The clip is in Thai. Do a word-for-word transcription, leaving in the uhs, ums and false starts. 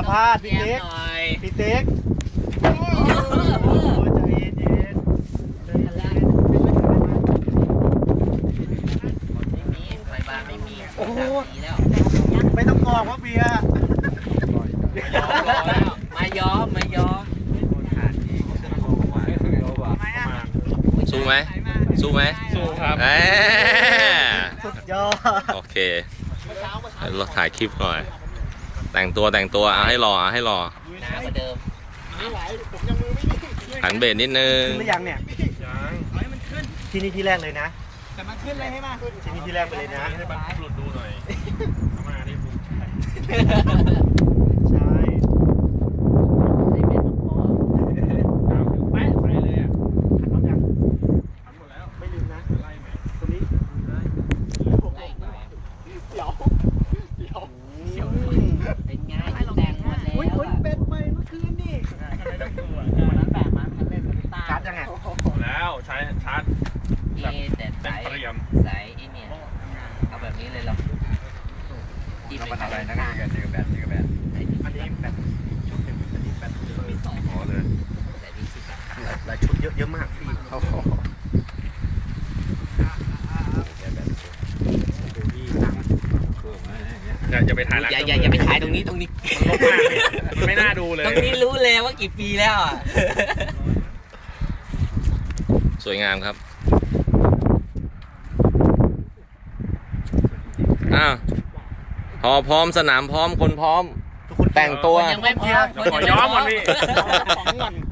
พลาดพี่เต๊กพี่เต๊กโอ้ใจเย็นเย็นใจเย็นไม่มีไฟบ้านไม่มีโอ้โหไม่ต้องกอกว่าเบียร์มายอมมายอมสู้ไหมสู้ไหมสู้ครับสุดยอดโอเคเราถ่ายคลิปหน่อยแต่งตัวแต่งตัวเอาให้รอเอาให้รอหนากว่าเดิมหันเบสนิดนึงขึ้นหรือยังเนี่ยยังที่นี่ที่แรกเลยนะแต่มันขึ้นเลยใช่ไหมที่นี่ที่แรกไปเลยนะให้บันหลุดดูหน่อยเข้ามาดิผมใช่ใส่เป็นพอแป๊ะใส่เลยอ่ะหันรอบยังทำหมดแล้วไม่ลืมนะไล่ไหมตรงนี้ไล่หน่อยเดี๋ยวเดี๋ยวเป็นไงแต่งหมดแล้วอุ้ยอุ้ยเป็นไปเมื่อคืนนี่ไม่ต้องกลัววันนั้นแบกมาทันเล่นกับพี่ต้าชาร์จยังไงแล้วใช้ชาร์จเอแต่เต็สาม ยเตรียมสายไอ้เนี่ยเอาแบบนี้เลยหรอที่เป็นอะไรนะเจอแบตเจอแบตใส่ที่อันนี้แบบชุดหนึ่งอันนี้แบบมีสองพอเลยใส่ที่สิบหลายชุดเยอะเยอะมากพี่เขาดูพี่สั่งอย่าอย่าไปถ่ายอย่าอย่าอย่าไปถ่ายตรงนี้ตรงนี้ลบมากเลยมันไม่น่าดูเลยตรงนี้รู้เลยว่ากี่ปีแล้วอ่ะสวยงามครับอ้าวพอพร้อมสนามพร้อมคนพร้อมทุกคนแต่งตัวยังไม่พอขอย้อมก่อนพี่ของก่อน